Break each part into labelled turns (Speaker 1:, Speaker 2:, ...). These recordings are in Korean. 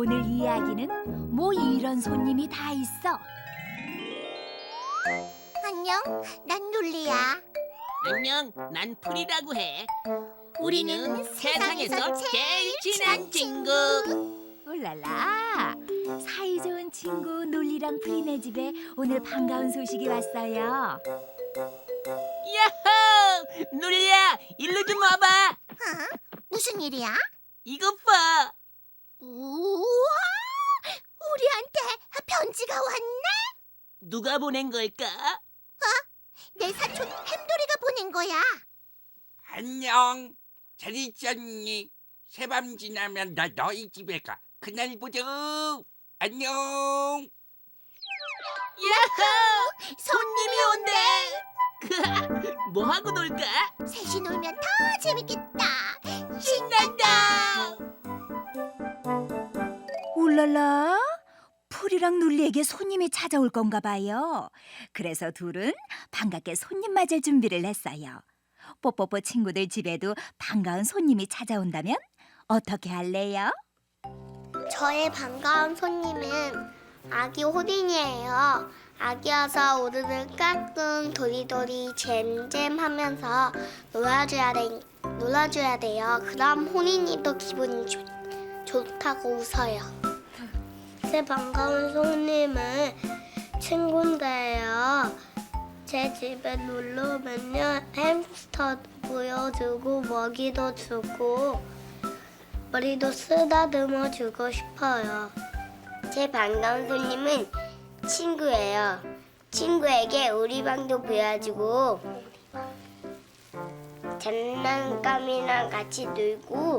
Speaker 1: 오늘 이야기는 뭐 이런 손님이 다 있어.
Speaker 2: 안녕, 난 룰리야.
Speaker 3: 안녕, 난 풀이라고 해.
Speaker 2: 우리는
Speaker 3: 우리는 세상에서 제일 친한 친구.
Speaker 1: 울랄라, 사이좋은 친구 놀리랑 프리네 집에 오늘 반가운 소식이 왔어요.
Speaker 3: 야호! 누리야, 일로 좀 와봐.
Speaker 2: 어? 무슨 일이야?
Speaker 3: 이것 봐.
Speaker 2: 우와! 우리한테 편지가 왔네?
Speaker 3: 누가 보낸 걸까?
Speaker 2: 내 사촌 햄돌이가 보낸 거야.
Speaker 4: 안녕. 잘 있었니? 새밤 지나면 나 너희 집에 가. 그날 보자. 안녕.
Speaker 3: 야호! 손님이 온대. 뭐 하고 놀까?
Speaker 2: 셋이 놀면 더 재밌겠다.
Speaker 3: 신난다.
Speaker 1: 울랄라, 풀이랑 놀리에게 손님이 찾아올 건가 봐요. 그래서 둘은 반갑게 손님 맞을 준비를 했어요. 뽀뽀뽀 친구들 집에도 반가운 손님이 찾아온다면 어떻게 할래요?
Speaker 5: 저의 반가운 손님은 아기 호딘이에요. 아기여서 오르르 까꿍 도리도리 잼잼 하면서 놀아줘야 돼요. 그럼 호딘이도 기분이 좋다고 웃어요. 제 반가운 손님은 친구인데요. 제 집에 놀러 오면요 햄스터도 보여주고 먹이도 주고 머리도 쓰다듬어 주고 싶어요. 제 반가운 손님은 친구예요. 친구에게 우리 방도 보여주고 장난감이랑 같이 놀고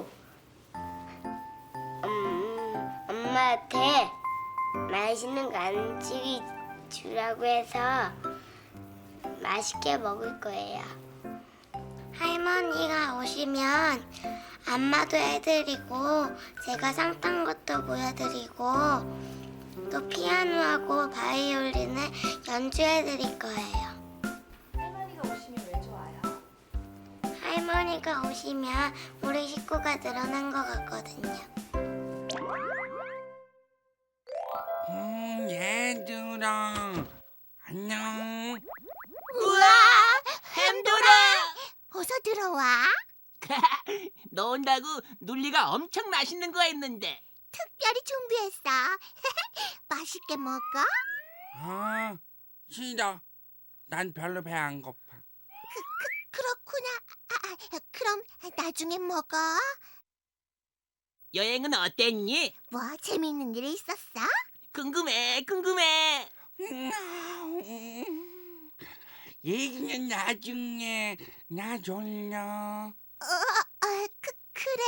Speaker 5: 엄마한테 맛있는 간식이 주라고 해서 맛있게 먹을 거예요. 할머니가 오시면 안마도 해드리고 제가 상 탄 것도 보여드리고 또 피아노하고 바이올린을 연주해드릴 거예요.
Speaker 6: 할머니가 오시면 왜 좋아요?
Speaker 5: 할머니가 오시면 우리 식구가 늘어난 것 같거든요.
Speaker 4: 얘들아. 안녕.
Speaker 2: 우와!
Speaker 3: 햄돌아.
Speaker 2: 어서 들어와.
Speaker 3: 너 온다고 눌리가 엄청 맛있는 거 했는데.
Speaker 2: 특별히 준비했어. 맛있게 먹어.
Speaker 4: 아, 싫어. 난 별로 배 안 고파.
Speaker 2: 그렇구나. 그럼 나중에 먹어.
Speaker 3: 여행은 어땠니?
Speaker 2: 뭐 재미있는 일이 있었어?
Speaker 3: 궁금해.
Speaker 4: 얘기는 나중에. 나 졸려.
Speaker 2: 그래.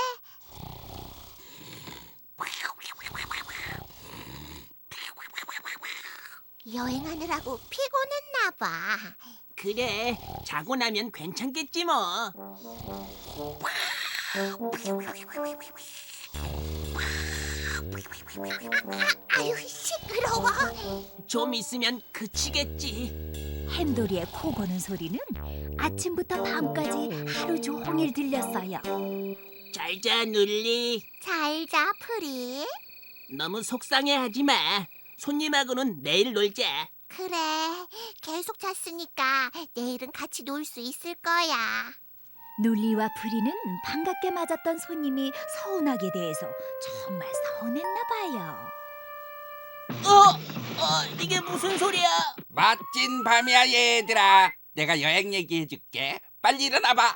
Speaker 2: 여행하느라고 피곤했나 봐.
Speaker 3: 그래, 자고 나면 괜찮겠지 뭐.
Speaker 2: 아유, 시끄러워.
Speaker 3: 좀 있으면 그치겠지.
Speaker 1: 햄돌이의 코 고는 소리는 아침부터 밤까지 하루 종일 들렸어요.
Speaker 3: 잘자 눌리.
Speaker 2: 잘 자, 프리.
Speaker 3: 너무 속상해하지 마. 손님하고는 내일 놀자.
Speaker 2: 그래, 계속 잤으니까 내일은 같이 놀 수 있을 거야.
Speaker 1: 놀리와 프리는 반갑게 맞았던 손님이 서운하게 대해서 정말 서운했나 봐요.
Speaker 3: 이게 무슨 소리야?
Speaker 4: 멋진 밤이야, 얘들아. 내가 여행 얘기해줄게. 빨리 일어나봐.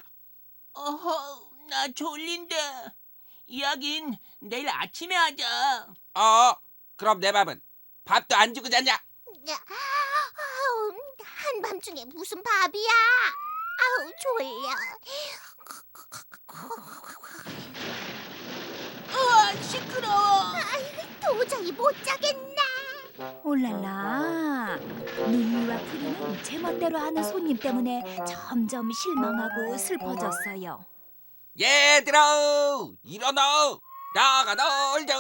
Speaker 3: 나 졸린데. 이야긴 내일 아침에 하자.
Speaker 4: 그럼 내 밥은? 밥도 안 주고 자냐?
Speaker 2: 아우, 한밤중에 무슨 밥이야? 아우, 졸려.
Speaker 3: 시끄러워.
Speaker 2: 도저히 못 자겠네.
Speaker 1: 올랄라, 놀리와 프리는 제멋대로 하는 손님 때문에 점점 실망하고 슬퍼졌어요.
Speaker 4: 얘들아, 일어나. 나가 놀자.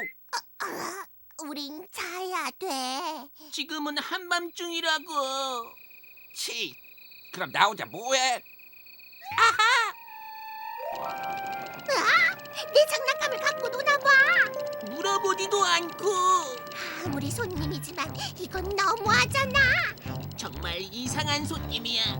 Speaker 2: 우린 자야 돼.
Speaker 3: 지금은 한밤중이라고.
Speaker 4: 치. 그럼 나 혼자 뭐해?
Speaker 2: 내 장난감을 갖고 노나 봐.
Speaker 3: 물어봐. 쳐다보지도 않고.
Speaker 2: 아무리 손님이지만 이건 너무하잖아.
Speaker 3: 정말 이상한 손님이야.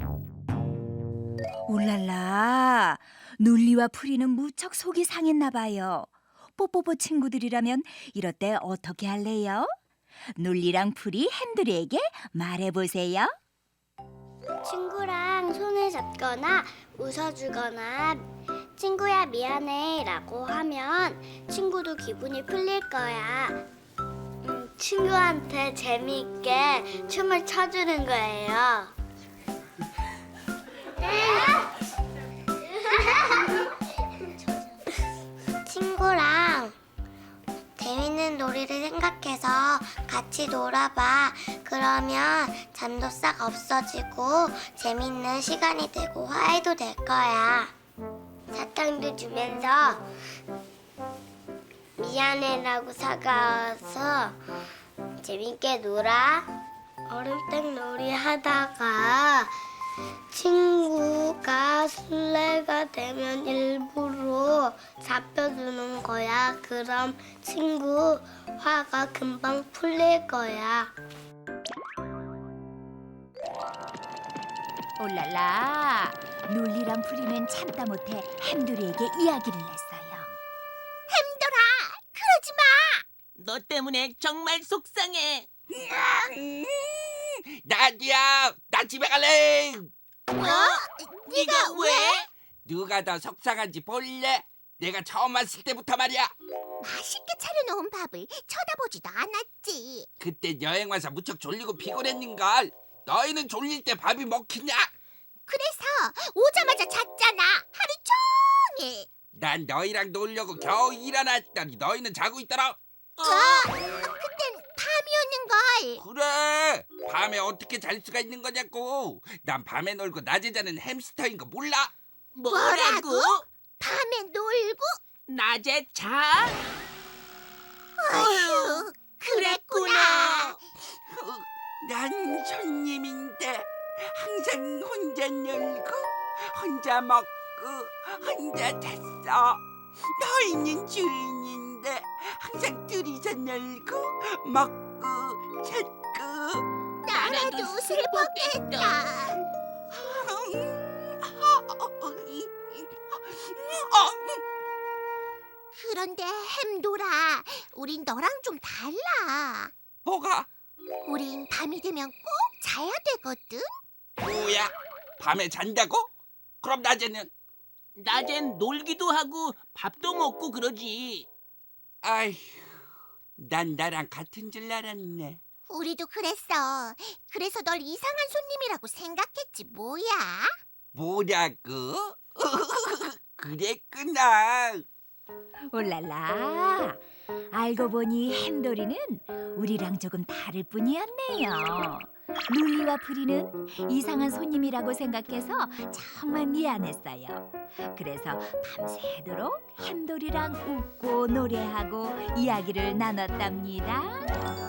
Speaker 1: 울랄라, 눌리와 프리는 무척 속이 상했나 봐요. 뽀뽀뽀 친구들이라면 이럴 때 어떻게 할래요? 눌리랑 프리 햄들이에게 말해보세요.
Speaker 5: 친구랑 손을 잡거나 웃어주거나 친구야 미안해 라고 하면 친구도 기분이 풀릴 거야. 친구한테 재미있게 춤을 춰주는 거예요. 친구랑 재밌는 놀이를 생각해서 같이 놀아봐. 그러면 잠도 싹 없어지고 재밌는 시간이 되고 화해도 될 거야. 사탕도 주면서 미안해라고 사과해서 재밌게 놀아. 얼음땡 놀이 하다가 친구가 술래가 되면 일부러 잡혀주는 거야. 그럼 친구 화가 금방 풀릴 거야.
Speaker 1: 올랄라, 눌리랑 프리는 참다 못해 햄들이에게 이야기를 했어요.
Speaker 2: 햄돌아, 그러지 마.
Speaker 3: 너 때문에 정말 속상해.
Speaker 4: 나디야, 나 집에 갈래.
Speaker 2: 네가 왜?
Speaker 4: 누가 더 속상한지 볼래? 내가 처음 왔을 때부터 말이야.
Speaker 2: 맛있게 차려놓은 밥을 쳐다보지도 않았지.
Speaker 4: 그때 여행 와서 무척 졸리고 피곤했는걸. 너희는 졸릴 때 밥이 먹히냐?
Speaker 2: 그래서 오자마자 잤잖아. 하루 종일.
Speaker 4: 난 너희랑 놀려고 겨우 일어났더니 너희는 자고 있더라.
Speaker 2: 그땐 밤이었는걸.
Speaker 4: 그래, 밤에 어떻게 잘 수가 있는 거냐고. 난 밤에 놀고 낮에 자는 햄스터인 거 몰라?
Speaker 3: 뭐라고?
Speaker 2: 밤에 놀고?
Speaker 3: 낮에 자?
Speaker 2: 어휴, 그랬구나.
Speaker 4: 난 손님인데 항상 혼자 놀고 혼자 먹고 혼자 잤어. 너희는 주인인데 항상 둘이서 놀고 먹고 잤고.
Speaker 2: 나라도 슬펐겠다. 그런데 햄돌아, 우린 너랑 좀 달라.
Speaker 4: 뭐가?
Speaker 2: 우린 밤이 되면 꼭 자야 되거든.
Speaker 4: 뭐야? 밤에 잔다고? 그럼 낮에는?
Speaker 3: 낮엔 놀기도 하고 밥도 먹고 그러지.
Speaker 4: 아휴, 난 나랑 같은 줄 알았네.
Speaker 2: 우리도 그랬어. 그래서 널 이상한 손님이라고 생각했지 뭐야.
Speaker 4: 뭐라고? 그랬구나.
Speaker 1: 올랄라, 알고 보니 햄돌이는 우리랑 조금 다를 뿐이었네요. 눌리와 프리는 이상한 손님이라고 생각해서 정말 미안했어요. 그래서 밤새도록 햄돌이랑 웃고 노래하고 이야기를 나눴답니다.